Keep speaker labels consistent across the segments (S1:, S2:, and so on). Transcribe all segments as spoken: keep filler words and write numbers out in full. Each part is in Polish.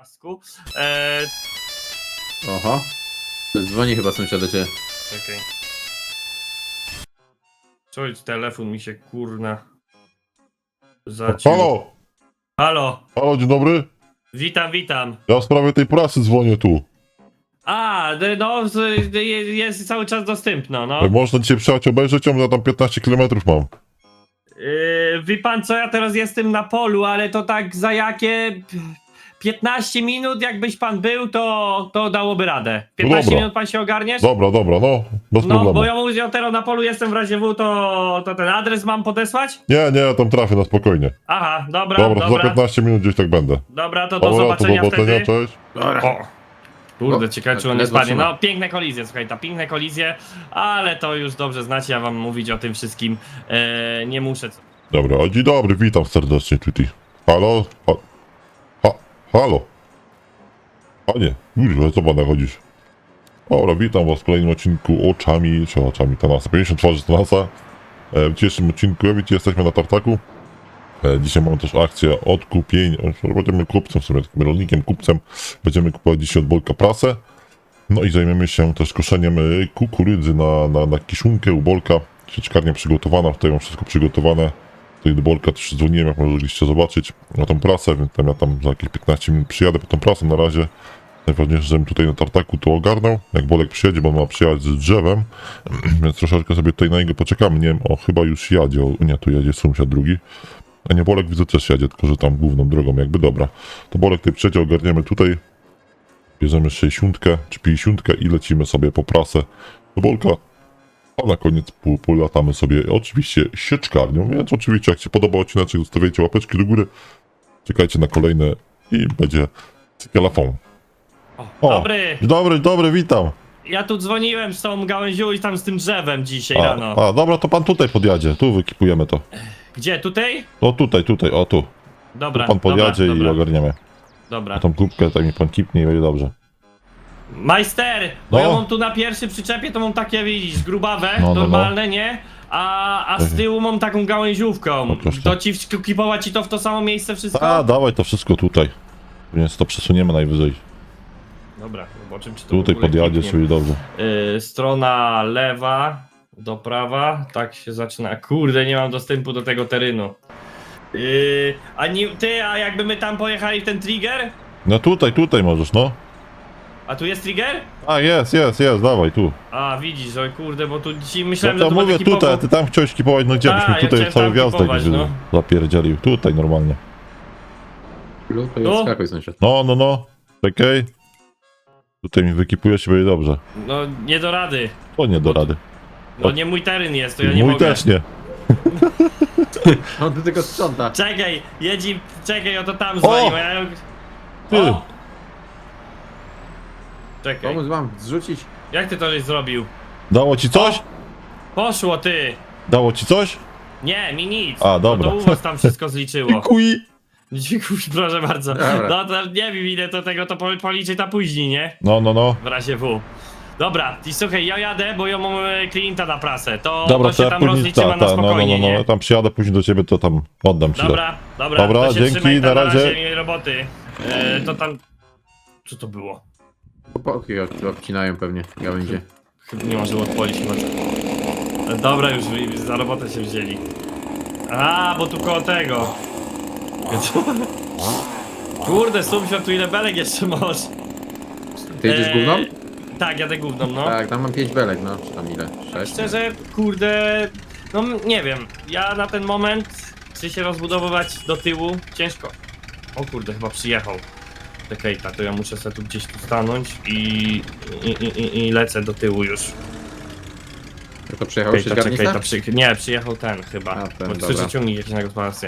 S1: pasku. Eee,
S2: Oho. Dzwoni chyba sąsiad do ciebie.
S1: czekaj. Czuć, telefon mi się kurna zaciął.
S3: Halo!
S1: Halo,
S3: Halo, dzień dobry.
S1: witam, witam.
S3: Ja w sprawie tej prasy dzwonię tu.
S1: A, d- no, z- d- je- jest cały czas dostępna, no.
S3: Jak można dzisiaj przyjechać obejrzeć ją, ja tam piętnaście kilometrów mam.
S1: Yy, wie pan co, ja teraz jestem na polu, ale to tak za jakie piętnaście minut jakbyś pan był, to, to dałoby radę. piętnaście
S3: dobra.
S1: minut pan się ogarniesz?
S3: Dobra, dobra, no, bez
S1: No,
S3: problemu.
S1: bo ja mówię, ja teraz na polu jestem w razie W, to, to ten adres mam podesłać?
S3: Nie, nie, ja tam trafię na spokojnie.
S1: Aha, dobra,
S3: Dobra,
S1: dobra,
S3: to za piętnaście minut gdzieś tak będę.
S1: dobra, to do
S3: Dobra, to do
S1: zobaczenia
S3: zobaczenia,
S1: wtedy.
S3: cześć.
S1: O, kurde,
S2: O,
S1: ciekawe czy
S2: tak
S1: on nie
S2: ledwo
S1: spadnie.
S2: trzyma.
S1: No, piękne kolizje, słuchaj, ta piękne kolizje, ale to już dobrze znacie, ja wam mówić o tym wszystkim e, nie muszę.
S3: Dobra, a dzień dobry, witam serdecznie tutaj. Halo? Ha, ha, halo? Panie, kurwa, co pana chodzisz? Dobra, witam was w kolejnym odcinku Oczami, czy Oczami Tanasa, pięćdziesiąt twarzy Tanasa. E, w dzisiejszym odcinku, jak widzicie, jesteśmy na tartaku. E, dzisiaj mamy też akcję odkupień, e, będziemy kupcem, w sumie takim rolnikiem, kupcem. Będziemy kupować dzisiaj od Bolka prasę. No i zajmiemy się też koszeniem e, kukurydzy na, na, na kiszunkę u Bolka. Sieczkarnia przygotowana, tutaj mam wszystko przygotowane. Tutaj do Bolka też dzwoniłem, jak mogliście zobaczyć, na tą prasę, więc tam ja tam za jakieś piętnaście minut przyjadę po tą prasę. Na razie najważniejsze, żebym tutaj na tartaku to ogarnął. Jak Bolek przyjedzie, bo on ma przyjechać z drzewem, więc troszeczkę sobie tutaj na niego poczekamy. Nie wiem, o chyba już jadzie, o, nie, tu jedzie sąsiad drugi. A nie, Bolek widzę też jadzie, tylko że tam główną drogą, jakby dobra. To Bolek tutaj przyjedzie, ogarniemy tutaj. Bierzemy sześćdziesiątkę czy pięćdziesiątkę i lecimy sobie po prasę do Bolka. A na koniec pół, polatamy sobie oczywiście sieczkarnią, więc oczywiście jak się podoba odcinek, zostawiajcie łapeczki do góry. Czekajcie na kolejne i będzie cykelafon.
S1: O,
S3: O,
S1: dobry,
S3: Dzień dobry, dobry, witam.
S1: ja tu dzwoniłem z tą gałęzią i tam z tym drzewem dzisiaj
S3: A,
S1: rano.
S3: a dobra, to pan tutaj podjadzie, tu wykipujemy to.
S1: Gdzie, tutaj?
S3: No tutaj, tutaj, o tu.
S1: Dobra,
S3: Tu pan podjadzie
S1: dobra,
S3: i
S1: dobra,
S3: ogarniemy.
S1: dobra.
S3: Tą kubkę tak mi pan kipnie i będzie dobrze.
S1: Majster, bo
S3: No.
S1: ja mam tu na pierwszym przyczepie, to mam takie, widzisz, grubawe,
S3: No, no, no.
S1: normalne, nie? A, a z
S3: Mhm.
S1: tyłu mam taką gałęziówką.
S3: No, proszę.
S1: To ci wkipować ci to w to samo miejsce wszystko?
S3: A, dawaj to wszystko tutaj. Więc to przesuniemy najwyżej.
S1: Dobra, zobaczymy czy to w
S3: Tutaj
S1: ogóle
S3: podjadziesz
S1: kliknie.
S3: i dobrze.
S1: Yy, strona lewa do prawa, tak się zaczyna. Kurde, nie mam dostępu do tego terenu. Yy, a nie, ty, a jakby my tam pojechali w ten trigger?
S3: No tutaj, tutaj możesz, no.
S1: A tu jest trigger?
S3: A, jest, jest, jest, dawaj tu.
S1: A, widzisz, oj kurde, bo tu dzisiaj
S3: Ja
S1: myślałem,
S3: to
S1: że to
S3: mówię
S1: będzie
S3: tutaj, a
S1: kipowo-
S3: ty tam chciałeś kipować, no gdzie
S1: A,
S3: byśmy
S1: ja
S3: tutaj
S1: chciałem
S3: cały
S1: tam
S3: gwiazdek
S1: kipować,
S3: wy-
S1: no.
S3: zapierdzielił. Tutaj normalnie.
S2: Lub
S1: No.
S2: skakuj sąsiad.
S3: No, no, no. Czekaj. Tutaj mi wykipuje się, będzie dobrze.
S1: No, nie do rady.
S3: To nie do
S1: Bo-
S3: rady.
S1: No nie mój teren jest, to ja nie
S3: Mój
S1: mogę.
S3: też nie.
S2: On tu tylko sprząta.
S1: Czekaj, jedzi, czekaj, o to tam zwalił.
S3: O!
S1: Ja...
S3: Ty.
S1: O! Czekaj,
S2: Pomóc wam zrzucić.
S1: jak ty to żeś zrobił?
S3: Dało ci coś?
S1: Poszło ty!
S3: Dało ci coś?
S1: Nie, mi nic.
S3: A, dobra.
S1: No to u was tam wszystko zliczyło.
S3: Dziękuję.
S1: Dziękuję, proszę bardzo.
S2: Dobra.
S1: No to nie wiem ile to tego to po- policzy ta później, nie?
S3: No, no, no.
S1: W razie W. Dobra, i słuchaj, ja jadę, bo ja mam e, klienta na prasę. To,
S3: Dobra,
S1: to się
S3: ja
S1: tam
S3: później,
S1: rozliczymy
S3: ta,
S1: na
S3: ta, no, no,
S1: spokojnie,
S3: no, no,
S1: nie?
S3: ja tam przyjadę później do ciebie, to tam oddam ci to.
S1: Dobra, dobra,
S3: Dobra,
S1: to się
S3: dzięki,
S1: trzymaj,
S3: na
S1: tam
S3: razie.
S1: miłej roboty. E, to tam... Co to było?
S2: Chłopaki od- obcinają pewnie gałęzie.
S1: Chyba nie może odpolić chyba. E, Dobra, już wy- za robotę się wzięli. A, bo tu koło tego. Kurde, sąsiad, tu ile belek jeszcze masz?
S2: Ty jedziesz gówną?
S1: Tak, jadę gówną, no.
S2: Tak, tam mam pięć belek, no. Czy tam ile? Sześć?
S1: Szczerze, kurde, no m- nie wiem. Ja na ten moment, czy się rozbudowywać do tyłu, ciężko. O kurde, chyba przyjechał. Czekaj, to ja muszę sobie tu gdzieś tu stanąć i, i, i, i, i lecę do tyłu już.
S2: No to przyjechał
S1: Czekaj, to, czekaj,
S2: sieczkarnica?
S1: to przy... Nie, przyjechał ten chyba.
S2: A, ten,
S1: Bo
S2: dobra.
S1: przeciągnik jakiś na gospodarstwie.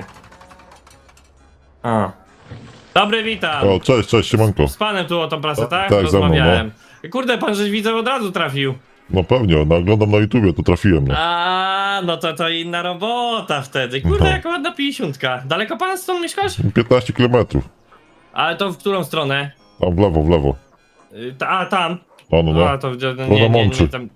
S1: A. Dobry, witam.
S3: O, cześć, cześć, siemanko.
S1: Z panem tu o tą prasę,
S3: O,
S1: tak?
S3: tak, ze mną,
S1: Rozmawiałem. Kurde, pan żeś widzę od razu trafił.
S3: No pewnie, no, oglądam na YouTubie, to trafiłem, no.
S1: A, no to to inna robota wtedy. Kurde,
S3: No.
S1: jaka ładna pięćdziesiątka. Daleko pan stąd mieszkasz?
S3: piętnaście kilometrów.
S1: Ale to w którą stronę?
S3: Tam w lewo, w lewo.
S1: Y, ta, a, tam.
S3: No, no,
S1: A,
S3: no.
S1: to no,
S3: na
S1: nie, nie, nie,
S3: Mączy.
S1: tam.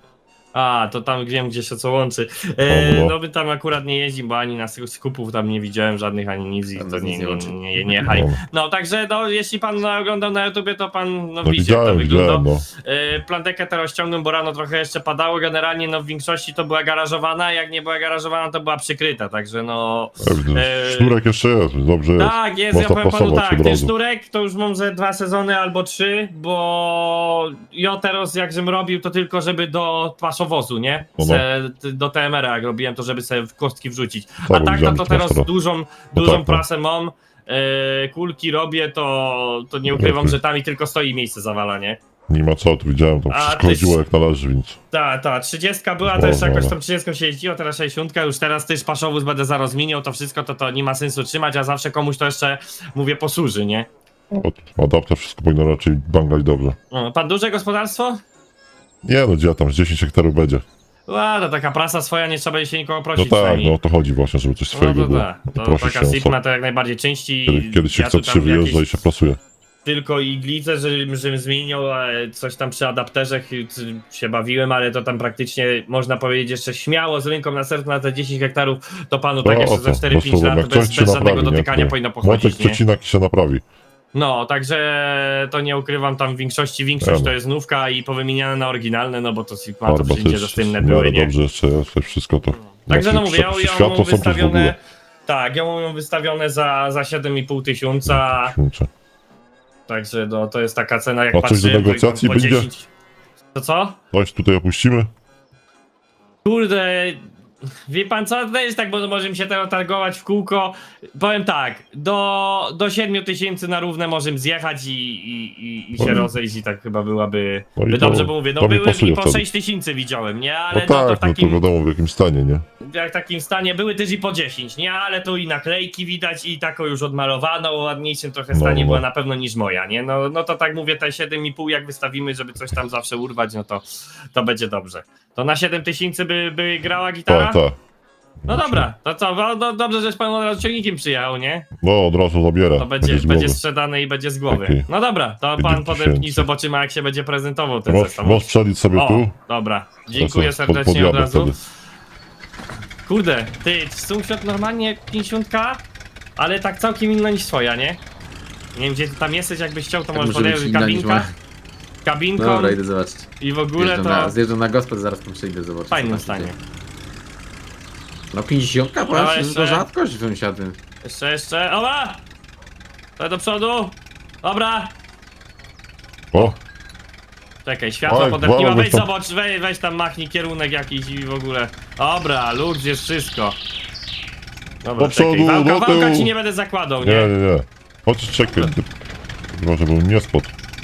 S1: A, to tam wiem, gdzie się co łączy. E,
S3: O, no.
S1: no my tam akurat nie jeździmy, bo ani na skupów tam nie widziałem żadnych, ani nic i
S2: Tam
S1: to
S2: nas
S1: nie,
S2: nic nie
S1: nie,
S2: łączy.
S1: nie, nie jechali.
S3: No.
S1: No także no, jeśli pan oglądał na YouTubie, to pan no,
S3: No
S1: widzi jak to
S3: widziałem,
S1: wygląda.
S3: widziałem, no.
S1: E, plantekę teraz ściągnąłem, bo rano trochę jeszcze padało. Generalnie no w większości to była garażowana, jak nie była garażowana, to była przykryta, także no... e,
S3: Sznurek jeszcze jest, dobrze jest.
S1: Tak, jest, ja
S3: Można
S1: powiem panu
S3: pasować
S1: tak,
S3: od
S1: ten
S3: razu.
S1: sznurek to już mam ze dwa sezony albo trzy, bo ja teraz jak żem robił to tylko żeby do paszowozu, nie?
S3: No, no.
S1: Se, t- do T M R a jak robiłem to żeby sobie w kostki wrzucić. A
S3: bo
S1: tak to,
S3: widziałem
S1: to
S3: to
S1: teraz
S3: teraz.
S1: dużą, dużą
S3: tak, no.
S1: prasę mam, e, kulki robię, to, to nie ukrywam,
S3: Okej.
S1: że tam i tylko stoi miejsce zawala, nie?
S3: Nie ma co, tu widziałem, to
S1: A
S3: wszystko
S1: ty-
S3: chodziło jak należy, więc...
S1: Ta, ta, trzydziestka była,
S3: No,
S1: też
S3: no,
S1: jakoś
S3: no.
S1: tam trzydziestką się jeździło, teraz sześćdziesiątka, już teraz też paszowóz będę zaraz zmieniał, to wszystko to, to nie ma sensu trzymać, a zawsze komuś to jeszcze, mówię, posłuży, nie?
S3: Od adapter wszystko powinno raczej banglać dobrze.
S1: O, pan duże gospodarstwo?
S3: Nie no, gdzie tam, z dziesięć hektarów będzie.
S1: A, to taka prasa swoja, nie trzeba się nikogo
S3: No
S1: prosić
S3: tak,
S1: przynajmniej.
S3: no o to chodzi właśnie, żeby coś
S1: No
S3: swojego
S1: to
S3: było.
S1: tak,
S3: No to
S1: to
S3: proszę
S1: taka
S3: się,
S1: Sigma
S3: co,
S1: to jak najbardziej części.
S3: kiedy, kiedy się
S1: ja
S3: chce
S1: tu tam
S3: trzy wyjeżdża
S1: jakieś
S3: i się prasuje.
S1: tylko iglicę, żebym, żebym zmienił, a coś tam przy adapterze ch- się bawiłem, ale to tam praktycznie można powiedzieć jeszcze śmiało z ręką na sercu na te dziesięć hektarów, to panu tak
S3: No,
S1: jeszcze
S3: o
S1: za
S3: co?
S1: cztery
S3: Bez
S1: pięć
S3: problemu,
S1: lat
S3: jak
S1: bez,
S3: coś się
S1: bez żadnego
S3: naprawi, nie?
S1: dotykania
S3: To
S1: powinno
S3: Młotek
S1: pochodzić, nie?
S3: przecinak i się naprawi.
S1: No, także to nie ukrywam, tam w większości, większość
S3: Ja.
S1: to jest nówka i powymieniane na oryginalne, no bo to Sigma to
S3: Farba
S1: wszędzie
S3: też
S1: dostępne
S3: w
S1: były,
S3: miarę
S1: nie?
S3: dobrze jeszcze jest, to wszystko to...
S1: Także no
S3: Znaczy,
S1: mówię, ja, ja
S3: światło
S1: mam
S3: są tu w
S1: wystawione,
S3: ogóle.
S1: tak, ja mam wystawione za, za siedem i pół tysiąca,
S3: Kurczę.
S1: także no, to jest taka cena, jak
S3: A coś do
S1: patrzyłem, to
S3: negocjacji
S1: po
S3: będzie?
S1: dziesięć. To co?
S3: Coś tutaj opuścimy?
S1: Kurde, wie pan co, to jest tak, bo możemy się teraz targować w kółko. Powiem tak, do, do siedmiu tysięcy na równe możemy zjechać i, i, i, i się
S3: No i-
S1: rozejść i tak chyba byłaby,
S3: No i
S1: by
S3: to-
S1: dobrze, bo mówię, no
S3: to mi
S1: były
S3: pasuje
S1: i po
S3: wtedy.
S1: sześć tysięcy widziałem, nie?
S3: No
S1: Ale no, to
S3: tak,
S1: w
S3: no to
S1: takim,
S3: wiadomo w jakim stanie, nie?
S1: jak w takim stanie były też i po dziesięć, nie? Ale tu i naklejki widać i taką już odmalowaną, o ładniejszym trochę
S3: No,
S1: stanie
S3: no.
S1: była na pewno niż moja, nie? No, no to tak mówię, te siedem i pół jak wystawimy, żeby coś tam zawsze urwać, no to, to będzie dobrze. To na siedem tysięcy by, by grała gitara?
S3: Tak, tak.
S1: No dobra, to co, no, no dobrze, żeś pan od razu ciągnikiem przyjechał, nie?
S3: No od razu zabiera.
S1: To będzie,
S3: z
S1: będzie
S3: głowy.
S1: sprzedane i będzie z głowy.
S3: Okej.
S1: No dobra, to
S3: Pięćdziesiąt
S1: pan podepnij,
S3: tysięcy.
S1: zobaczymy jak się będzie prezentował ten
S3: Możesz,
S1: zestaw.
S3: możesz przelić sobie
S1: O,
S3: tu.
S1: dobra, dziękuję
S3: Ja sobie
S1: serdecznie od
S3: podjadę
S1: razu.
S3: wtedy.
S1: Kurde, ty, sąsiad normalnie pięćdziesiątka, ale tak całkiem inna niż twoja, nie? Nie wiem gdzie ty tam jesteś, jakbyś chciał, to
S2: Tak
S1: możesz
S2: może być
S1: podejrzeć
S2: inna niż
S1: kabinka,
S2: moja.
S1: kabinką
S2: Dobra, idę zobaczyć.
S1: i w ogóle
S2: Zjeżdżam
S1: to
S2: na, zjeżdżam na gospod, zaraz tam przyjdę zobaczyć.
S1: w fajnym
S2: co tam się
S1: stanie.
S2: dzieje. No pięćdziesiątka,
S1: Dobra,
S2: patrz,
S1: jeszcze.
S2: to rzadkość sąsiady.
S1: Jeszcze, jeszcze, oba! To do przodu, dobra!
S3: O,
S1: Czekaj, światło
S3: Oj,
S1: podepniła,
S3: wolno
S1: weź
S3: byś tam-
S1: zobacz, weź, weź tam machnij kierunek jakiś i w ogóle. Dobra, luz jest wszystko. Dobra,
S3: Do
S1: czekaj,
S3: przodu,
S1: wałka,
S3: do
S1: wałka
S3: tyłu.
S1: ci nie będę zakładał,
S3: nie,
S1: nie?
S3: nie, nie. Chociaż czekaj. ty- Chyba, żebym nie spadł.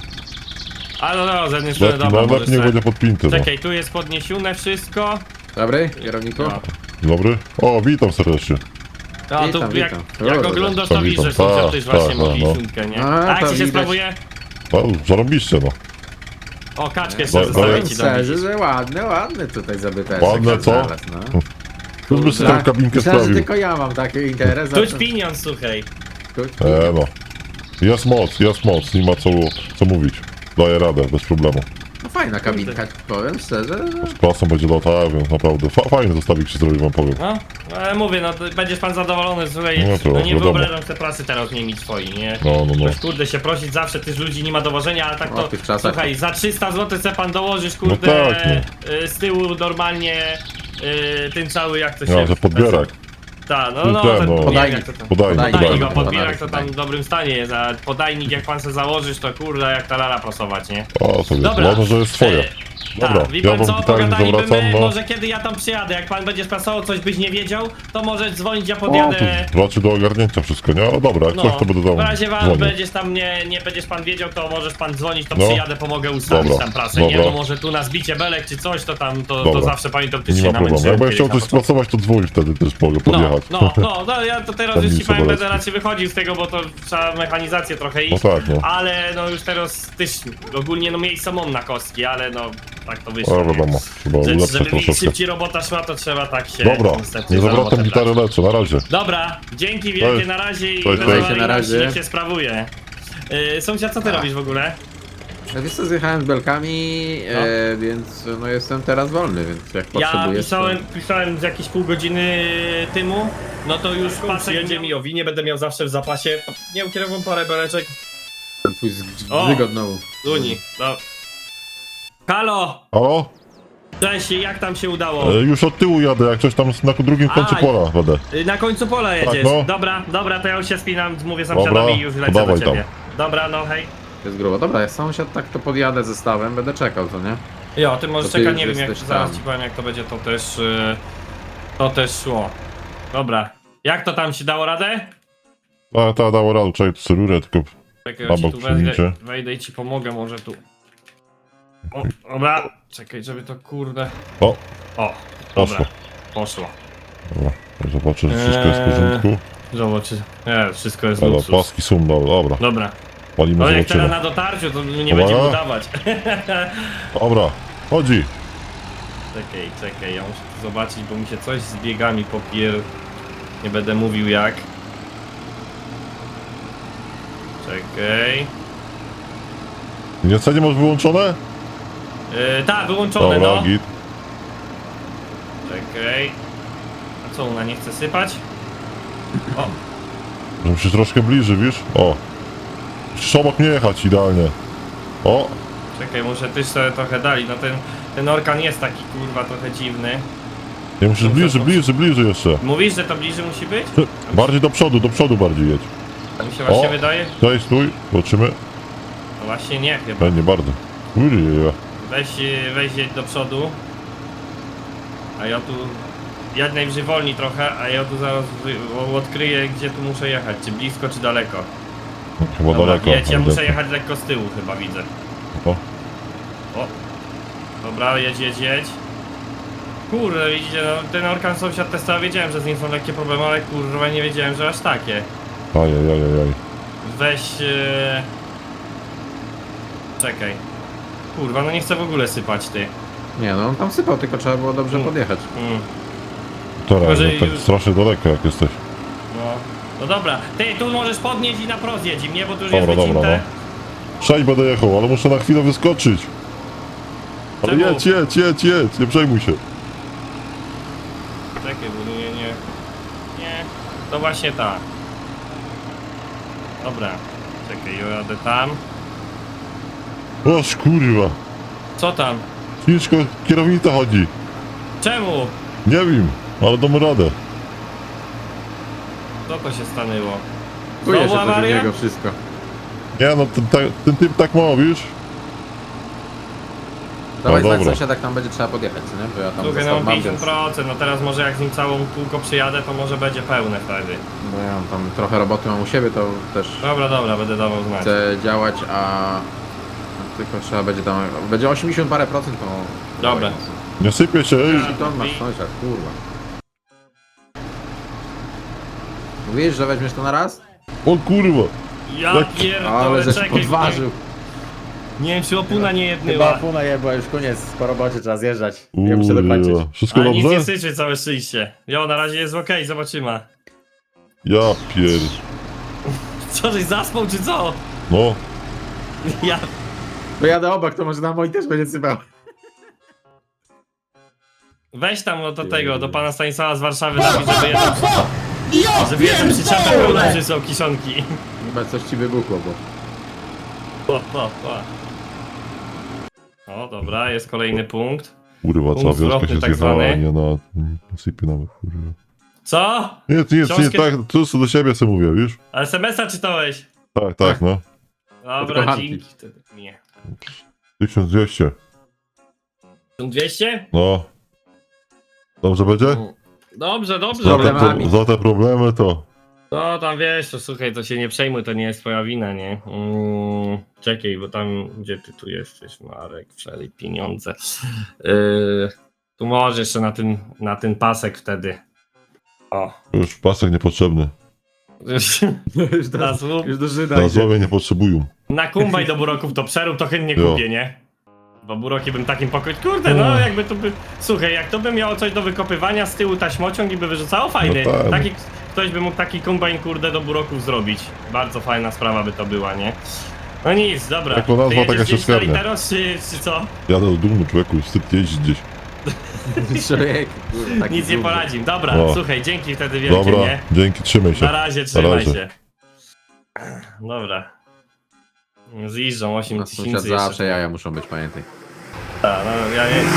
S1: A no, no, z jednej strony,
S3: Lepiej,
S1: dobra,
S3: no,
S1: możesz
S3: lepiej niech
S1: sobie...
S3: będzie podpięty, no.
S1: Czekaj, tu jest podniesione wszystko.
S2: Dobry, kierowniku?
S1: No.
S3: Dobry? O, witam serdecznie.
S1: A tu
S2: Witam,
S1: jak,
S2: witam.
S1: jak
S2: Kurde,
S1: oglądasz to
S3: to
S1: widzisz, że
S3: witam.
S1: sąsiad
S3: Tak,
S1: też właśnie
S3: tak,
S1: ma
S3: no.
S1: pięćdziesiątkę, nie?
S2: A,
S1: A jak
S2: to
S1: ci się
S2: widać.
S1: sprawuje?
S3: No, zarobiście, no.
S1: O, kaczkę
S3: No,
S1: jeszcze
S3: no,
S1: zostawię
S2: Powiem
S1: ci tam.
S2: szczerze, że ładny, ładny tutaj zabyteczek.
S3: Ładne, co?
S2: znalazł, no.
S3: Tu by sobie
S2: Tak,
S3: tą kabinkę
S2: myślałem, że
S3: sprawił.
S2: tylko ja mam taki interes. a
S1: Tuć
S2: to-
S1: pieniądz, słuchaj.
S2: Tuć
S3: E, no. Jest moc, jest moc, nie ma co, co mówić. Daję radę, bez problemu.
S2: No fajna kabinka, powiem szczerze.
S3: Z klasą będzie latała, więc naprawdę fa fajny zestawik się zrobił, wam powiem.
S1: No, ale mówię, no to będziesz pan zadowolony, słuchaj,
S3: No
S1: no,
S3: to
S1: nie
S3: wiadomo.
S1: wyobrażam sobie pracy teraz nie mieć swoi, nie?
S3: No, no, no.
S1: Ktoś, kurde, się prosić zawsze, tych ludzi nie ma dowożenia, ale tak
S2: O,
S1: to,
S2: w tych czasach
S1: słuchaj, za trzysta złotych se pan dołożysz, kurde,
S3: No tak,
S1: y, z tyłu normalnie y, ten cały, jak to się...
S3: Ja, że podbierak.
S1: Tak, no,
S3: No
S1: no,
S3: ten,
S1: ten
S3: no.
S1: podbierak, jak to tam...
S3: Podajnik,
S2: Podajnik,
S1: Podajnik,
S3: podajnik.
S1: a podbierak to tam
S2: podajnik.
S1: w dobrym stanie jest, a podajnik jak pan se założysz, to kurde, jak ta lala prasować, nie?
S3: O, sobie,
S1: Dobra.
S3: ważne, że jest twoje.
S1: E,
S3: Dobra,
S1: tak, wie
S3: ja
S1: pan
S3: wam
S1: co,
S3: gitarę nie
S1: pogadalibyśmy,
S3: zawracam, no.
S1: może kiedy ja tam przyjadę, jak pan będzie prasował, coś byś nie wiedział, to może dzwonić, ja
S3: O,
S1: podjadę...
S3: to raczej do ogarnięcia wszystko, nie? Ale dobra, jak
S1: No,
S3: coś to będę
S1: w
S3: tam
S1: razie wam
S3: dzwonił.
S1: będziesz tam nie, nie będziesz pan wiedział, to możesz pan dzwonić, to
S3: No.
S1: przyjadę, pomogę ustawić
S3: Dobra,
S1: tam prasę, nie?
S3: dobra.
S1: Bo może tu na zbicie belek czy coś, to tam, to, to
S3: Dobra.
S1: zawsze pamiętam, ty
S3: Nie
S1: się
S3: ma problemu.
S1: namęczyłem
S3: Jakbym chciał
S1: kiedyś
S3: coś
S1: na początku.
S3: spracować, to dzwonić wtedy też mogę
S1: No,
S3: podjechać.
S1: no, no, no, ja to teraz
S3: Tam
S1: już ci
S3: nic
S1: powiem, będę
S3: Sobolewski.
S1: raczej wychodził z tego, bo to trzeba mechanizację trochę
S3: No
S1: iść,
S3: tak, no.
S1: ale no już teraz też ogólnie no miejsca mam na kostki, ale no tak to
S3: No
S1: wyszło, nie?
S3: wiadomo, trzeba
S1: Że,
S3: ulepszyć
S1: żeby mi
S3: troszeczkę.
S1: szybciej robota szła, to trzeba tak się
S3: Dobra,
S1: niestety
S3: nie
S1: za
S3: zawracam
S1: robotę
S3: gitary,
S1: brać.
S3: lecę, na razie.
S1: Dobra, dzięki wielkie,
S3: Cześć.
S1: na razie i
S3: Cześć,
S1: na
S3: cześć.
S2: Na razie.
S1: niech się sprawuje. Yy, sąsiad, co ty
S2: A.
S1: robisz w ogóle?
S2: Ja wiesz co, zjechałem z belkami,
S1: No.
S2: e, więc no jestem teraz wolny, więc jak
S1: Ja
S2: potrzebujesz
S1: pisałem,
S2: to...
S1: pisałem z jakieś pół godziny tymu, no to już pasek jedzie mi owinie, będę miał zawsze w zapasie. Nie ukierowam parę beleczek.
S2: Ten twój
S1: O!
S2: zgod znowu.
S1: Uni, no. Halo!
S3: Halo?
S1: Cześć, jak tam się udało?
S3: E, już od tyłu jadę, jak coś tam na drugim końcu
S1: Aj.
S3: pola będę.
S1: Y, Na końcu pola jedziesz.
S3: no.
S1: Dobra, dobra, to ja już się spinam, mówię
S3: Dobra,
S1: sąsiadowi i już lecę
S3: to
S1: do
S3: dawaj
S1: ciebie. Dobra, no hej.
S2: Jest grubo. Dobra, jak sąsiad tak to podjadę zestawem, będę czekał, co nie?
S1: Jo, ty możesz
S2: To ty
S1: czekać,
S2: już
S1: nie wiem jak
S2: jesteś
S1: zaraz
S2: tam.
S1: ci powiem jak to będzie, to też y, to też szło. Dobra. Jak to tam się dało radę?
S3: Ta, ta, dało radę, czekaj, tu sobie rurę, tylko...
S1: Czekaj,
S3: Na
S1: ja ci
S3: bok
S1: tu wejdę,
S3: przyjmijcie.
S1: wejdę i ci pomogę może tu. O, dobra, czekaj, żeby to kurde...
S3: O,
S1: O, dobra,
S3: poszło.
S1: poszło.
S3: Dobra, zobaczę, czy wszystko jest w porządku.
S1: Zobacz, nie, wszystko jest
S3: Ale
S1: luksus.
S3: paski są, dobra, dobra.
S1: Dobra,
S3: Palimy,
S1: ale jak teraz
S3: zobaczymy.
S1: na dotarciu, to nie
S3: Dobra.
S1: będziemy udawać.
S3: Dobra, chodzi.
S1: Czekaj, czekaj, ja muszę tu zobaczyć, bo mi się coś z biegami popier... Nie będę mówił jak. Czekaj.
S3: Nie co, nie masz wyłączone?
S1: Yy, tak, wyłączone,
S3: Dobra,
S1: no.
S3: git.
S1: Czekaj. A co, ona nie chce sypać? O,
S3: Żebym się troszkę bliżej, wiesz? O. Musisz obok mnie jechać idealnie. O,
S1: czekaj, muszę też sobie trochę dali. No ten, ten orkan jest taki kurwa trochę dziwny.
S3: nie musisz bliżej, bliżej, bliżej jeszcze.
S1: Mówisz, że to bliżej musi być?
S3: Bardziej do przodu, do przodu bardziej jedź.
S1: A mi się właśnie
S3: O.
S1: wydaje?
S3: Daj, stój, zobaczymy.
S1: No właśnie nie chyba.
S3: E, nie bardzo. Ujej,
S1: Weź, yy, weź jedź do przodu. A ja tu... Ja najwyżej wolni trochę, a ja tu zaraz wy- odkryję gdzie tu muszę jechać. Czy blisko, czy daleko.
S3: chyba
S1: Dobra,
S3: daleko.
S1: jedź, ja
S3: ale
S1: muszę
S3: daleko.
S1: jechać lekko z tyłu chyba, widzę.
S3: O.
S1: O. Dobra, jedź, jedź, jedź. Kurde, widzicie, no, ten orkan sąsiad testował, wiedziałem, że z nim są lekkie problemy, ale kurwa nie wiedziałem, że aż takie.
S3: Ajajajajaj.
S1: Weź... Yy... Czekaj. Kurwa, no nie chcę w ogóle sypać, ty.
S2: Nie no, on tam sypał, tylko trzeba było dobrze
S1: Mm.
S2: podjechać.
S1: Mm,
S3: Teraz,
S1: Może
S3: no, tak
S1: już-
S3: strasznie daleko jak jesteś.
S1: no. No dobra, ty tu możesz podnieść i na prost jedź, nie? Bo tu już
S3: Dobra,
S1: jest
S3: dobra,
S1: wycinte.
S3: Sześć będę jechał, ale muszę na chwilę wyskoczyć. Ale
S1: Czemu?
S3: jedź, jedź, jedź, jedź, nie przejmuj się.
S1: Czekaj, bo nie, nie... Nie, to właśnie tak. Dobra, czekaj, ja jadę tam.
S3: Oż kurwa,
S1: Co tam?
S3: ciężko kierownica chodzi.
S1: Czemu?
S3: Nie wiem, ale damy radę.
S1: Co to się stanęło?
S2: Czuje się
S1: Znowu
S2: coś u
S1: awaria?
S2: niego wszystko.
S3: Nie no, ten, ten, ten typ tak ma, wiesz?
S2: Dawaj
S3: No
S2: znać
S3: dobra.
S2: sąsiad, jak tam będzie trzeba podjechać, co nie? Bo ja tam
S1: Słuchaj, no
S2: zestaw
S1: mam
S2: mam,
S1: pięćdziesiąt
S2: więc...
S1: procent, no teraz może jak z nim całą kółko przyjadę, to może będzie pełne wtedy.
S2: Bo ja tam trochę roboty mam u siebie, to też
S1: Dobra, dobra, będę dawał znać.
S2: chcę działać, a... Tylko trzeba będzie tam... Będzie osiemdziesiąt parę procent, to...
S1: Dobra.
S3: Nie sypie się, ej.
S2: I to masz sąsiad, kurwa. Mówisz, że weźmiesz to na raz?
S3: O kurwa.
S1: Ja
S3: Jak-
S1: pierdolę,
S2: Ale żeś
S1: czekaj.
S2: podważył.
S1: Nie wiem, czy opuna nie
S4: Chyba
S1: jednyła.
S4: pół najebła, już koniec, po robocie trzeba zjeżdżać. Ja muszę dokończyć.
S3: Kurwa. Wszystko
S1: Ale nic nie
S3: dobrze?
S1: syczy, całe szczęście. Jo, na razie jest okej, zobaczymy.
S3: Ja pier...
S1: Co, żeś zaspał, czy co?
S3: No,
S1: Ja...
S2: To jadę obok, to może na mój też będzie sypał.
S1: Weź tam no, do tego, do pana Stanisława z Warszawy napisz, żeby jedną... Żeby jedną przyczepę pełną przysłał kiszonki.
S2: Chyba coś ci wybuchło, bo...
S1: O, o, o. O, dobra, jest kolejny punkt.
S3: kurwa, cała
S1: Punkt
S3: wioska
S1: zwrotny
S3: się
S1: tak
S3: zjechała,
S1: zwany.
S3: a nie na... na sypie nawet, kurwa.
S1: Co?
S3: Nie, nie, nie,
S1: Książkę-
S3: tak, to co do siebie sobie mówię, wiesz?
S1: Ale es em es a czytałeś?
S3: Tak, tak, no.
S1: Dobra,
S2: kochanki.
S1: dzięki. wtedy. Nie.
S3: tysiąc dwieście.
S1: tysiąc dwieście?
S3: No. Dobrze będzie?
S1: Dobrze, dobrze.
S3: Za te,
S2: Problemami.
S3: pro, za te problemy to...
S1: No tam wiesz, to słuchaj, to się nie przejmuj, to nie jest twoja wina, nie? Mm, czekaj, bo tam, gdzie ty tu jesteś, Marek, przelej pieniądze. Yy, tu może jeszcze na ten, na ten pasek wtedy. O.
S3: Już pasek niepotrzebny.
S2: Już
S1: Na
S2: do,
S1: słup.
S2: już do Żyda
S3: Na
S2: idzie.
S3: złowie nie potrzebują.
S1: Na kumbaj do buroków to przerób, to chętnie
S3: Jo.
S1: kupię, nie? Bo buroki bym takim pokoju. Kurde, no
S3: Mm.
S1: jakby to by. Słuchaj, jak to by miało coś do wykopywania z tyłu taśmociąg i by wyrzucało, fajny.
S3: No tak.
S1: Taki, ktoś by mógł taki kombajn, kurde, do buroków zrobić. Bardzo fajna sprawa by to była, nie? No nic, dobra.
S3: Jako nazwa
S1: Ty jedziesz
S3: taka
S1: gdzieś
S3: się
S1: na
S3: skarnia.
S1: Literos, czy, czy co?
S3: Jadę do domu, człowieku, wstyd jeździć gdzieś.
S4: Człowiek, kurwa, taki
S1: Nic nie
S4: dumny.
S1: poradzim. Dobra,
S3: O.
S1: słuchaj, dzięki wtedy wielkie,
S3: Dobra,
S1: nie?
S3: dzięki, trzymaj się.
S1: Na razie, trzymaj
S3: razie.
S1: się. Dobra. Zjeżdżą osiem
S2: Na sąsiad
S1: tysięcy
S2: zawsze
S1: jeszcze.
S2: jaja muszą być, pamiętaj.
S1: Ta, no, ja nie...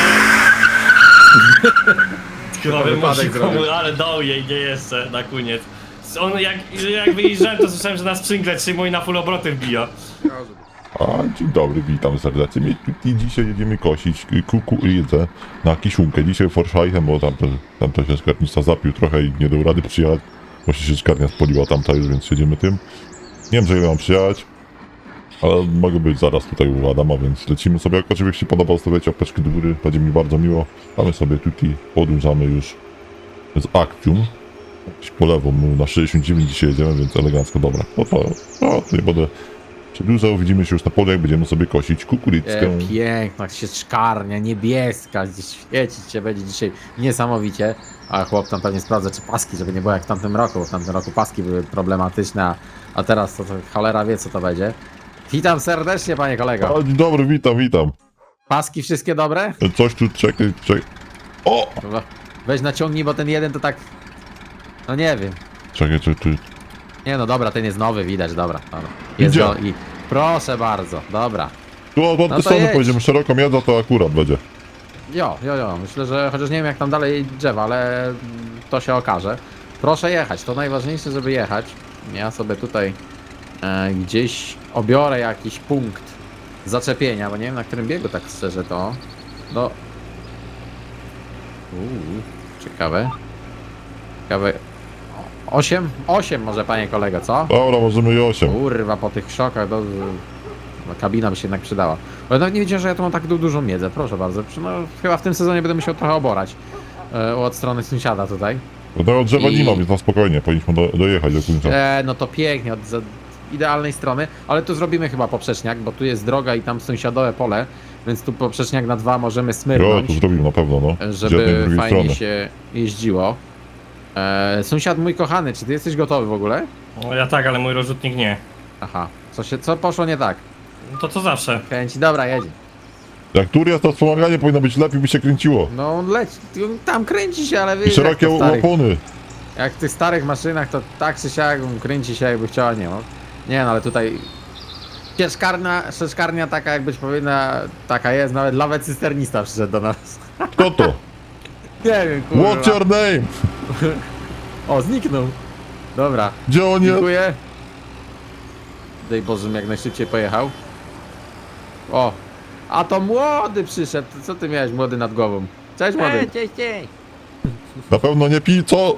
S1: Chyba bym
S2: wypadek
S1: musiał komu,
S2: zrobił.
S1: ale dał jej, nie jeszcze, na koniec. On jak, jak wyjeżdżałem, to słyszałem, że na sprzęgle trzyma i na full obroty wbija.
S3: A, dzień dobry, witam serdecznie. My tutaj dzisiaj jedziemy kosić kukurydzę na Kiszunkę. Dzisiaj Forszajchem, bo tam, tam to się skarbnica zapił trochę i nie dał rady przyjechać. Właśnie się skarnia spoliła tamta już, więc jedziemy tym. Nie wiem, że ile mam przyjechać, ale mogę być zaraz tutaj u Adama, więc lecimy sobie. Jak oczywiście się podoba, zostawiacie łapeczki do góry, będzie mi bardzo miło. A my sobie tutaj podążamy już z Actium. Po lewo, my na sześćdziesiąt dziewięć dzisiaj jedziemy, więc elegancko, dobra. No to, no, to nie będę przedłużał, widzimy się już na polu, jak będziemy sobie kosić kukurydzkę.
S2: E, piękna się szkarnia, niebieska, gdzieś świecić się będzie dzisiaj niesamowicie. A chłop tam pewnie sprawdza, czy paski, żeby nie było jak w tamtym roku, bo w tamtym roku paski były problematyczne, a, a teraz to, to cholera wie, co to będzie. Witam serdecznie, panie kolego.
S3: A, dzień dobry, witam, witam.
S2: Paski wszystkie dobre?
S3: Coś tu, czekaj, czekaj. O!
S2: Dobra. Weź naciągnij, bo ten jeden to tak... No nie wiem.
S3: Czekaj, czekaj, czekaj.
S2: Nie no dobra, ten jest nowy, widać, dobra. dobra. Jest
S3: Idzie.
S2: go i... Proszę bardzo, dobra.
S3: Tu od
S2: No
S3: no
S2: to
S3: strony
S2: jedź.
S3: pojedziemy, szeroką jazdę to akurat będzie.
S2: Jo, jo, jo, myślę, że chociaż nie wiem jak tam dalej drzewa, ale mm, to się okaże. Proszę jechać, to najważniejsze, żeby jechać. Ja sobie tutaj e, gdzieś obiorę jakiś punkt zaczepienia, bo nie wiem na którym biegu tak szczerze to. No. Uuu, ciekawe. Ciekawe. osiem? osiem może, panie kolego, co?
S3: Dobra, możemy i osiem.
S2: Kurwa, po tych szokach, to, no, kabina by się jednak przydała. Ale nawet nie wiedziałem, że ja tu mam tak du dużą miedzę, proszę bardzo. No, chyba w tym sezonie będę musiał trochę oborać e, od strony sąsiada tutaj.
S3: No drzewa
S2: I-
S3: nie ma, więc na spokojnie, powinniśmy do, dojechać do końca.
S2: E, no to pięknie, od za idealnej strony, ale tu zrobimy chyba poprzeczniak, bo tu jest droga i tam sąsiadowe pole, więc tu poprzeczniak na dwa możemy
S3: Jo,
S2: smyrnąć,
S3: to zrobimy na pewno, no. Z jednej i
S2: żeby
S3: drugiej
S2: fajnie
S3: strony.
S2: się jeździło. E, sąsiad mój kochany, czy ty jesteś gotowy w ogóle?
S1: No ja tak, ale mój rozrzutnik nie.
S2: Aha, co, się, co poszło nie tak?
S1: No to co zawsze.
S2: Kręci, dobra, jedzie.
S3: Jak tur jest, to wspomaganie powinno być lepiej, by się kręciło.
S2: No leć, tam kręci się, ale
S3: I
S2: wiesz, jak,
S3: szerokie
S2: to w starych,
S3: opony.
S2: jak w tych starych maszynach to tak czy siak kręci się jakby chciała, nie no. Nie no, ale tutaj sieczkarnia, sieczkarnia taka jak być powinna, taka jest, nawet lawet cysternista przyszedł do nas.
S3: Kto to?
S2: Nie wiem, kurwa.
S3: What's your name?
S2: O, zniknął. Dobra,
S3: Gdzie on jest?
S2: dziękuję. Daj Boże, żebym jak najszybciej pojechał. O, a to młody przyszedł, co ty miałeś młody nad głową? Cześć młody.
S3: Na pewno nie pij, co?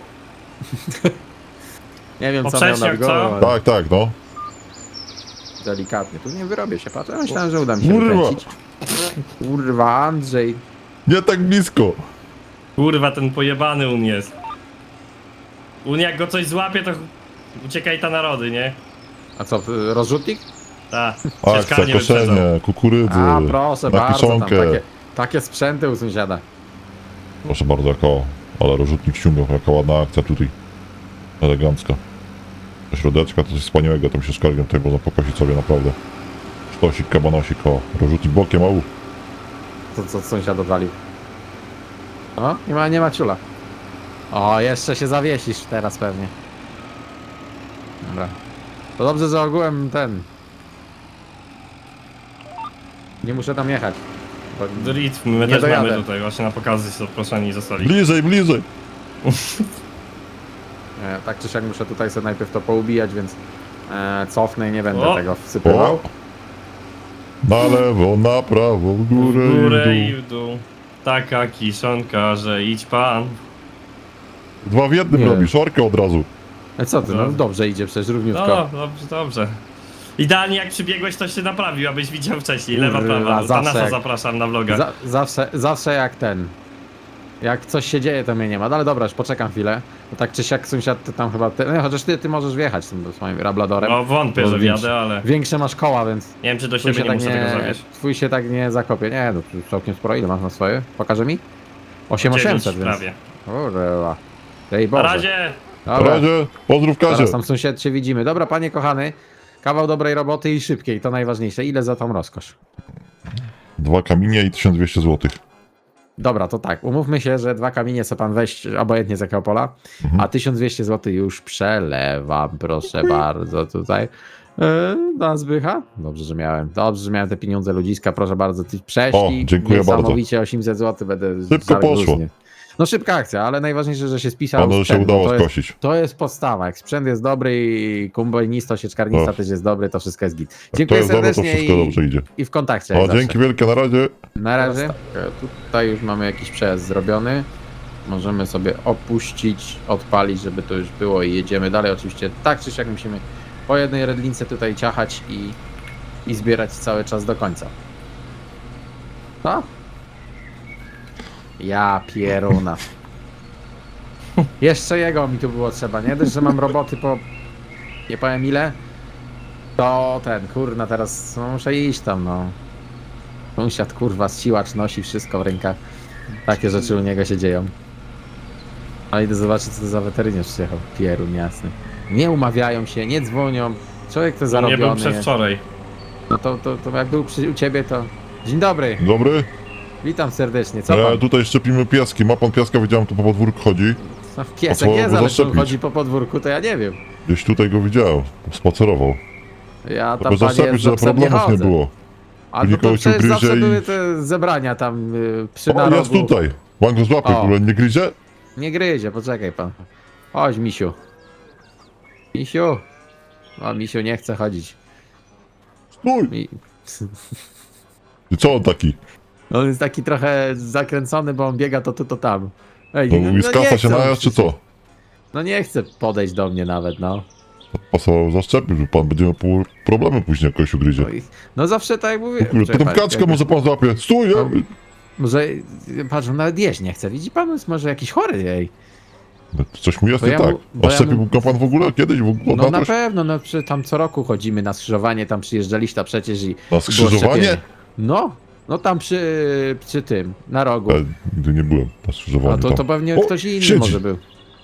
S2: Nie wiem co miał nad
S1: Poprzeczniak,
S2: głową,
S1: co?
S2: ale
S3: Tak, tak, no.
S2: delikatnie. Tu nie wyrobię się, patrz. Ja myślałem, że uda mi się
S3: Kurwa.
S2: wykręcić. Kurwa, Andrzej.
S3: Nie tak blisko.
S1: Kurwa, ten pojebany un jest. Un jak go coś złapie, to uciekaj ta narody, nie?
S2: A co, y, rozrzutnik?
S1: Ta,
S3: Akcja,
S1: sieczkarnię wyprzedzą.
S3: koszenie, kukurydzy,
S2: A, proszę
S3: na
S2: bardzo, tam
S3: kiszonkę.
S2: takie, takie sprzęty u sąsiada.
S3: Proszę bardzo, jaka, ale rozrzutnik ściągał, jaka ładna akcja tutaj. Elegancka. Do środeczka to coś wspaniałego, tam się skargiem tutaj można pokosić sobie naprawdę. Sztosik, kabanosik, o, rozrzutnik bokiem, au.
S2: To co sąsiad odwalił. O, nie ma, nie ma ciula. O, jeszcze się zawiesisz teraz pewnie. Dobra. To dobrze, że ogółem ten... Nie muszę tam jechać. Bo...
S1: Drit, my
S2: Nie
S1: też
S2: dojadę.
S1: mamy tutaj, właśnie na pokazy się zaproszeni zostali.
S3: Bliżej, bliżej.
S2: E, tak czy siak muszę tutaj sobie najpierw to poubijać, więc e, cofnę i nie będę
S1: O!
S2: tego wsypywał.
S3: O. Na lewo, na prawo, w górę,
S1: W górę
S3: i
S1: i
S3: w dół.
S1: w dół. Taka kiszonka, że idź pan.
S3: Dwa w jednym
S2: Nie.
S3: robisz, orkę od razu.
S2: E, co ty, no
S1: No.
S2: dobrze idzie przecież, równiutko.
S1: No, dobrze, dobrze. Idealnie jak przybiegłeś, to się naprawił, abyś widział wcześniej. Lewa,
S2: Kurwa,
S1: prawa. Do
S2: zawsze
S1: Tanasa
S2: jak-
S1: zapraszam na vloga.
S2: Za, zawsze, zawsze jak ten. Jak coś się dzieje, to mnie nie ma. No ale dobra, już poczekam chwilę. Bo tak czy siak sąsiad ty tam chyba. Ty, no, chociaż ty, ty możesz wjechać tym swoim rabladorem.
S1: No wątpię,
S2: Bo
S1: że
S2: większy-
S1: wjadę, ale
S2: Większe masz koła, więc.
S1: nie wiem czy do
S2: Twój
S1: siebie
S2: się,
S1: nie
S2: tak
S1: muszę tego
S2: nie,
S1: zawieźć.
S2: twój się tak nie zakopie. Nie, no tu całkiem sporo. Ile masz na swoje? Pokaże mi? osiem tysięcy osiemset,
S1: Dziewięć
S2: więc.
S1: prawie.
S2: Kurwa. Ej
S1: Na
S2: Boże.
S1: razie!
S3: Na
S2: Dobra.
S3: razie, pozdrów Kazie.
S2: Zaraz tam sąsiad się widzimy. Dobra, panie kochany. Kawał dobrej roboty i szybkiej, to najważniejsze. Ile za tą rozkosz?
S3: Dwa kamienie i tysiąc dwieście złotych.
S2: Dobra, to tak, umówmy się, że dwa kamienie co pan weź, obojętnie z jakiego pola,
S3: Mhm.
S2: a tysiąc dwieście złotych już przelewam, proszę bardzo, tutaj. Yy, na Zbycha? Dobrze, że miałem. Dobrze, że miałem te pieniądze ludziska, proszę bardzo, ty przeszli.
S3: O, dziękuję bardzo.
S2: Niesamowicie osiemset złotych będę
S3: Szybko
S2: zaraz
S3: poszło.
S2: różnie. No szybka akcja, ale najważniejsze, że się spisał.
S3: Panu się
S2: sprzęt, bo
S3: udało
S2: to jest,
S3: skosić.
S2: to jest podstawa, jak sprzęt jest dobry i kombajnista, sieczkarnista
S3: Och.
S2: też jest dobry, to wszystko jest git.
S3: Jak to
S2: Dziękuję
S3: jest dobre, to
S2: serdecznie
S3: wszystko
S2: i,
S3: dobrze idzie.
S2: i w kontakcie. jak
S3: O,
S2: zawsze.
S3: dzięki wielkie, na razie.
S2: Na razie. Tutaj już mamy jakiś przejazd zrobiony. Możemy sobie opuścić, odpalić, żeby to już było i jedziemy dalej. Oczywiście tak czy siak musimy po jednej redlince tutaj ciachać i, i zbierać cały czas do końca. Co? Ja pieruna. Jeszcze jego mi tu było trzeba, nie? Dość, że mam roboty po nie powiem ile. To ten, kurna, teraz no, muszę iść tam, no. Sąsiad, kurwa, siłacz nosi wszystko w rękach. Takie rzeczy u niego się dzieją. Ale idę zobaczyć, co to za weteryniarz przyjechał. Pierun jasny. Nie umawiają się, nie dzwonią. Człowiek to
S1: Nie był
S2: zarobiony.
S1: przedwczoraj.
S2: No to, to, to jak był przy, u ciebie, to... Dzień dobry,
S3: Dobry.
S2: witam serdecznie. Co
S3: E,
S2: pan?
S3: tutaj szczepimy piaski. Ma pan piaska? Widziałem, tu po podwórku chodzi.
S2: No, piesek
S3: po co
S2: jest,
S3: go
S2: ale czy on
S3: zaszczepić?
S2: chodzi po podwórku, to ja nie wiem.
S3: Gdzieś tutaj go widziałem. Spacerował.
S2: Ja tam,
S3: Żeby
S2: panie,
S3: zaszczepić,
S2: z
S3: żeby
S2: obsem nie
S3: problemów nie
S2: chodzę.
S3: było.
S2: A no to
S3: nikogo cię
S2: przecież
S3: ugryzie
S2: zawsze
S3: i-
S2: były te zebrania tam y, przy
S3: O,
S2: narogu.
S3: jest tutaj. Pan go złapie,
S2: O.
S3: kurwa, nie gryzie?
S2: Nie gryzie, poczekaj pan. Chodź, misiu. Misiu. O, misiu nie chce chodzić.
S3: Stój!
S2: Mi...
S3: I co on taki?
S2: On jest taki trochę zakręcony, bo on biega to tu, to tam. Ej,
S3: No,
S2: no,
S3: i
S2: no
S3: z
S2: nie
S3: kasa się
S2: chce on
S3: najazd, czy
S2: przecież.
S3: co?
S2: No nie chce podejść do mnie nawet, no.
S3: Pasował zaszczepić, że pan będzie miał pół- problemy później, jak kogoś ugryzie.
S2: No, i... no zawsze tak jak mówię.
S3: Kurde,
S2: Czekaj,
S3: potem
S2: pan,
S3: kaczkę
S2: jakby-
S3: może pan złapie. Stój!
S2: No.
S3: nie?
S2: Może, patrz, on nawet jeść nie chce. Widzi pan, jest może jakiś chory, ej.
S3: No, coś mu jest
S2: Bo
S3: nie
S2: ja
S3: tak.
S2: mu- bo
S3: A
S2: ja
S3: szczepił
S2: mu-
S3: go pan w ogóle kiedyś? W ogóle
S2: No
S3: na
S2: na
S3: coś?
S2: pewno, no przy, tam co roku chodzimy na skrzyżowanie, tam przyjeżdżaliście przecież i...
S3: Na
S2: było
S3: skrzyżowanie?
S2: szczepienie. No, no tam przy, przy tym, na rogu.
S3: Ja nigdy nie byłem na skrzyżowaniu.
S2: A to,
S3: tam.
S2: to pewnie
S3: O,
S2: ktoś inny
S3: siedzi.
S2: może był.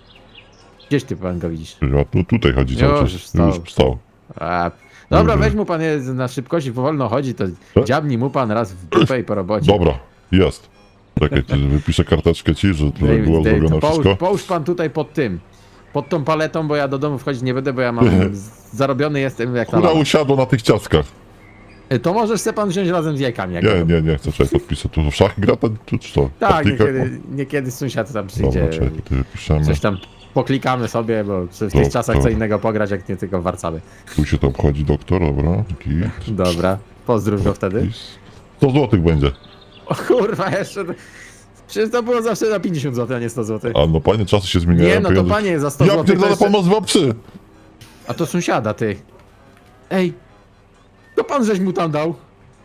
S2: Gdzieś ty pan go widzisz?
S3: A tu, tutaj chodzi
S2: Już
S3: cały czas.
S2: wstał.
S3: Już wstał.
S2: A, dobra,
S3: Dobra.
S2: weź mu pan je na szybkości, powolno chodzi, to
S3: Co?
S2: dziabnij mu pan raz w dupę i po robocie.
S3: Dobra, jest. Czekaj, ty wypiszę karteczkę ci, że tutaj
S2: Dej-
S3: było
S2: dej-
S3: zrobione
S2: to połóż,
S3: wszystko.
S2: połóż pan tutaj pod tym. Pod tą paletą, bo ja do domu wchodzić nie będę, bo ja mam z- zarobiony jestem jak na
S3: Która
S2: lama.
S3: usiadła na tych ciastkach.
S2: Y, To możesz se pan wziąć razem z jajkami. Jak
S3: Nie,
S2: będą.
S3: nie, nie chcę, czekaj, podpisać. Tu w szachy gra, to, tu, czy to?
S2: Tak,
S3: Partyjka?
S2: niekiedy, niekiedy sąsiad tam przyjdzie.
S3: Dobra, czekaj, tutaj wypiszemy.
S2: Coś tam poklikamy sobie, bo w tych
S3: Dobra.
S2: czasach co innego pograć, jak nie tylko w Warszawie.
S3: Tu się to obchodzi doktor, dobra. Git.
S2: Dobra, pozdrów go wtedy.
S3: Pis. sto złotych będzie.
S2: O kurwa, jeszcze... Przecież to było zawsze na pięćdziesiąt złotych, a nie sto złotych.
S3: A no panie, czasy się zmieniają.
S2: Nie, no to
S3: pieniądze-
S2: panie, za sto
S3: Ja
S2: złotych to
S3: pierdolę,
S2: jeszcze...
S3: pan ma dwa psy.
S2: A to sąsiada, ty. Ej, to pan żeś mu tam dał.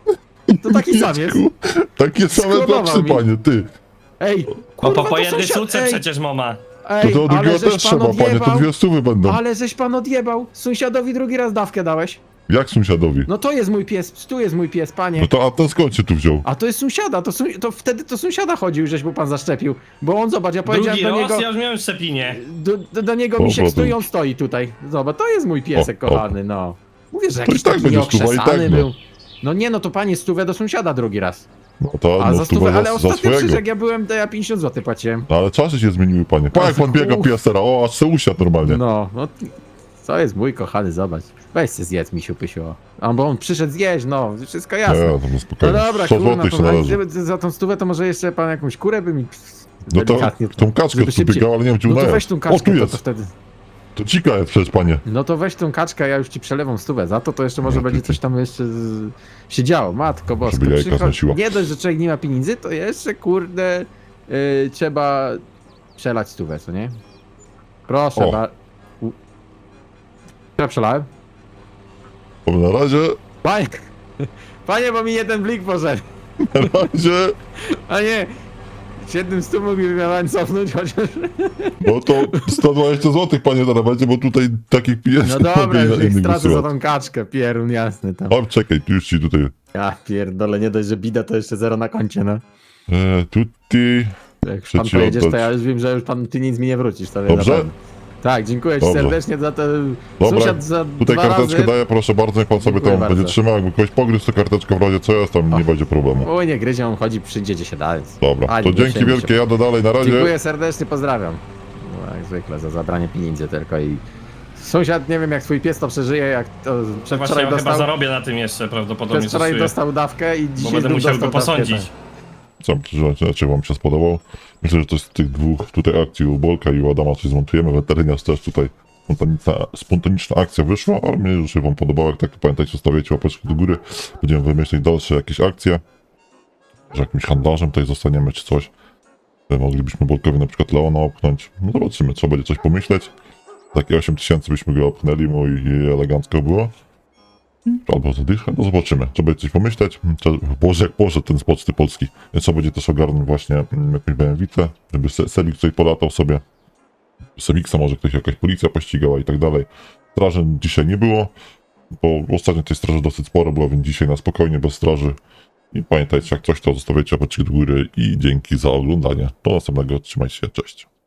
S2: To taki sam jest.
S3: Dziecku, Takie same dwa
S2: Sklonował
S3: psy,
S2: mi.
S3: panie, ty.
S2: Ej,
S1: No
S2: kurwa,
S1: po, po
S2: to
S1: jednej
S2: sąsiad-
S1: sztuce
S2: ej,
S1: przecież mama.
S3: To
S2: Ej,
S3: do drugiego
S2: ale żeś
S3: też
S2: pan
S3: trzeba, panie, to
S2: odjebał.
S3: dwie stówy będą.
S2: Ale żeś pan odjebał. Sąsiadowi drugi raz dawkę dałeś.
S3: Jak sąsiadowi?
S2: No to jest mój pies, tu jest mój pies, panie.
S3: No to, a ten skąd się tu wziął?
S2: A to jest sąsiada, to, sąs- to wtedy to sąsiada chodził, żeś mu pan zaszczepił. Bo on, zobacz, ja powiedziałem
S1: Drugi
S2: do
S1: raz
S2: niego...
S1: ja już miałem szczepinie.
S2: Do, do, do niego
S3: O,
S2: misiek
S3: bo
S2: stoi,
S3: to-
S2: on stoi tutaj. Zobacz, to jest mój piesek
S3: O, o.
S2: kochany, no. Mówię, że
S3: To
S2: jakiś
S3: i tak
S2: taki
S3: będzie stuwa, i
S2: nieokrzesany
S3: tak, no.
S2: był. No nie, no to panie stówę do sąsiada drugi raz.
S3: No to,
S2: A
S3: no
S2: za
S3: stówę
S2: stówę, ale
S3: za, za
S2: ostatnio przecież
S3: swojego.
S2: jak ja byłem, to ja pięćdziesiąt złotych płaciłem.
S3: No ale czasy się zmieniły, panie. Pa, jak pan biega
S2: Uch.
S3: pies teraz, o, aż se usiadł normalnie.
S2: No, no co jest mój kochany, zobacz. Weź się zjedz, misiu pysiu. A bo on przyszedł zjeść, no, wszystko
S3: Nie,
S2: jasne.
S3: to no
S2: No
S3: spokojnie.
S2: dobra,
S3: sto
S2: kurna,
S3: złotych się
S2: to, a
S3: należy.
S2: gdyby za tą stówę to może jeszcze pan jakąś kurę by mi...
S3: No to
S2: delikatnie-
S3: tą kaczkę
S2: żeby
S3: tu
S2: szybciej-
S3: biegał, ale nie wiem, gdzie
S2: No to
S3: unajął.
S2: weź tą
S3: O,
S2: kaczkę,
S3: tu
S2: to,
S3: jest.
S2: to wtedy...
S3: To dzika jest przecież, panie.
S2: No to weź tą kaczkę, ja już ci przelewam stówę. Za to to jeszcze może
S3: No,
S2: będzie
S3: ty-
S2: coś tam jeszcze z... się działo. Matko boska.
S3: Żeby jajka
S2: przycho-
S3: znosiła.
S2: Nie dość, że człowiek nie ma pieniędzy, to jeszcze kurde yy, trzeba przelać stówę, co nie? Proszę
S3: O.
S2: ba... U... Ja przelałem?
S3: Bo na razie,
S2: Panie, panie, bo mi jeden blik poszedł.
S3: na razie,
S2: A nie, z jednym stu mógłbym ja cofnąć chociaż...
S3: no to sto dwadzieścia złotych, panie, teraz będzie, bo tutaj takich pieniędzy
S2: No dobra, już ich
S3: innych
S2: stracę za
S3: wysyłać.
S2: tą kaczkę, pierun jasny tam.
S3: O, czekaj, tu już ci tutaj.
S2: Ja pierdolę, nie dość, że bida, to jeszcze zero na koncie, no.
S3: E, tutti.
S2: Jak już
S3: Chcę
S2: pan
S3: ci
S2: pojedziesz, to
S3: oddać.
S2: ja już wiem, że już pan, ty nic mi nie wrócisz, to wie
S3: Dobrze?
S2: na pewno. Tak, dziękuję ci
S3: Dobrze.
S2: serdecznie za to.
S3: Dobra,
S2: Sąsiad za
S3: tutaj
S2: dwa
S3: karteczkę
S2: razy...
S3: daję, proszę bardzo, niech pan sobie
S2: Dziękuję
S3: tam
S2: bardzo.
S3: będzie trzymał. Jakby kogoś pogryzł, to karteczka w razie co jest, tam nie będzie problemu.
S2: Oj, nie gryzie, on chodzi, przyjdzie gdzie się da. Więc...
S3: Dobra,
S2: A,
S3: to
S2: nie
S3: dzięki
S2: przejmuj się.
S3: wielkie, jadę dalej, na razie.
S2: Dziękuję serdecznie, pozdrawiam. No, jak zwykle, za zabranie pieniędzy tylko i... Sąsiad, nie wiem jak twój pies to przeżyje, jak to
S1: Właśnie
S2: przedwczoraj
S1: ja chyba
S2: dostał...
S1: zarobię na tym jeszcze prawdopodobnie
S2: Przedwczoraj
S1: stosuję,
S2: dostał dawkę i
S1: bo
S2: dzisiaj
S1: będę
S2: znów
S1: musiał
S2: dostał
S1: go
S2: dawkę,
S1: posądzić.
S2: tak.
S3: Co, dlaczego wam się spodobał? Myślę, że to z tych dwóch tutaj akcji u Bolka i u Adama coś zmontujemy. Weteryniarz też tutaj spontaniczna, spontaniczna akcja wyszła, ale mnie już się wam podobało. Jak tak, to pamiętajcie, zostawiajcie łapeczki do góry. Będziemy wymyślać dalsze jakieś akcje. Że jakimś handlarzem tutaj zostaniemy czy coś. Moglibyśmy Bolkowi na przykład Leona opchnąć. No zobaczymy, trzeba będzie coś pomyśleć. Takie osiem tysięcy byśmy go opchnęli mu i elegancko było. Albo zadycha, no zobaczymy. Trzeba będzie coś pomyśleć. Trzeba, Boże, jak poszedł ten z Poczty Polskiej. Więc trzeba będzie też ogarnąć właśnie mm, jakąś B M W, żeby Se- Selik tutaj polatał sobie. Semiksa może ktoś, jakaś policja pościgała i tak dalej. Straży dzisiaj nie było, bo ostatnio tej straży dosyć sporo było, więc dzisiaj na spokojnie, bez straży. I pamiętajcie, jak coś, to zostawiajcie łapeczki do góry i dzięki za oglądanie. Do następnego, trzymajcie się, cześć.